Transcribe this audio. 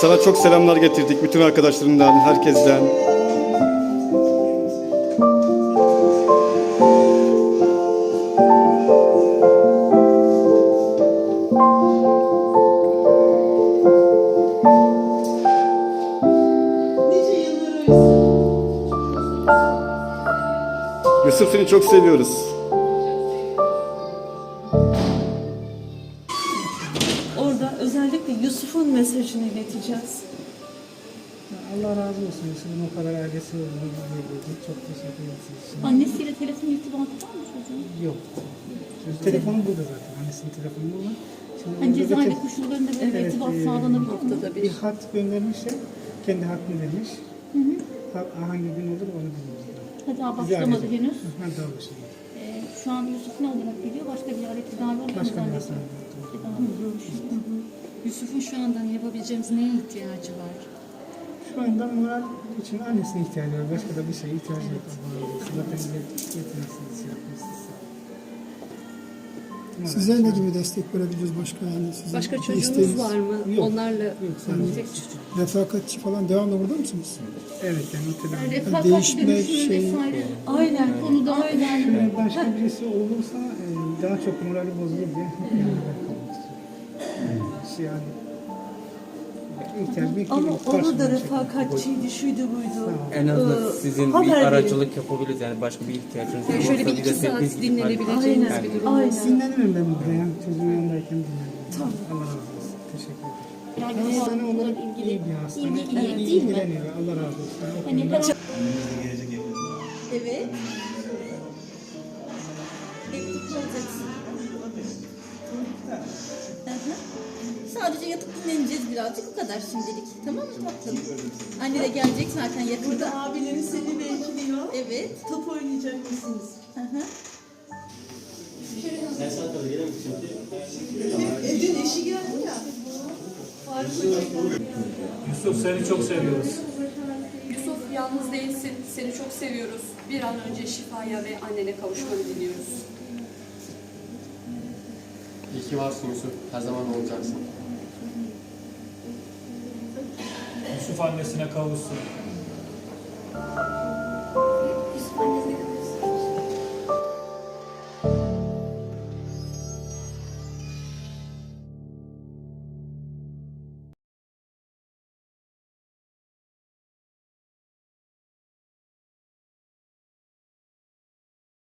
Sana çok selamlar getirdik bütün arkadaşlarından, herkesten. Yusuf, seni çok seviyoruz. Orada özellikle Yusuf'un mesajını ileteceğiz. Allah razı olsun. Yusuf'un o kadar ailesi olduğunu bildiğiniz çok teşekkür ederiz. Annesiyle telefon irtibatı var mı çocuğun? Yok. Telefonu burada zaten. Annesinin telefonu burada. Şimdi Hani orada cezaevi bir koşullarında böyle bir evet, irtibat sağlanabilir mi? bir hat göndermişler. Kendi hattını vermiş. Hangi gün olur onu bilmiyoruz. Ha, daha başlamadı henüz. Ha, daha başlamadı. Şu an Yusuf ne olarak biliyor? Başka bir yerde tedavi oluyor mu Başka bir zannediyorum? hastanede. Tedavi oluyormuş. Yusuf'un şu anda yapabileceğimiz neye ihtiyacı var? Şu anda moral için annesine ihtiyacı var. Başka da bir şeye ihtiyacı yok. Zaten yeteneksiniz, yapmışsınız. Sizler ne gibi destek verebiliriz başka yani? Sizin Başka bir çocuğunuz isteğiniz? var mı? Yok. Onlarla Yok, sadece tek çocuk. Refakatçi falan devamlı burada mısınız? Evet, yani o tedavi. Refakat Değişme dönüşümü şey- vesaire. Aynen. Konuda aynen. Şöyle başka birisi olursa daha çok morali bozulur diye yanında kalmak istiyorum. Yani ihtiyaç Ama bekliyorum. onu da refakatçiydi, şuydu buydu. En azından sizin bir haber verin. aracılık yapabiliriz yani başka bir ihtiyacınız Yani olursa şöyle bir bir de iki saat biz dinlenebileceğiniz Aynen. bir durum. Aynen. Dinlenirim ben burada ya. Çocuğun yanındayken dinlenirim. Tamam. Allah razı olsun. Teşekkür ederim. Yani Hastane olarak ilgili iyi bir hastane. ilgi iyi değil mi? İlgileniyor. Allah razı olsun. O Hani konuda- her Evet. Mektup alacaksın. Hı hı. Sadece yatıp dinleneceğiz birazcık, o kadar şimdilik. Tamam mı tatlım? Anne de gelecek zaten yakında. Burada abilerin seni bekliyor. Evet. Top oynayacak mısınız? Hı hı. Dün eşi geldi ya. Yusuf, seni çok seviyoruz. Yusuf, yalnız değilsin. Seni çok seviyoruz. Bir an önce şifaya ve annene kavuşmanı diliyoruz. İyi ki varsın Yusuf. Her zaman olacaksın. Yusuf annesine kavuşsun.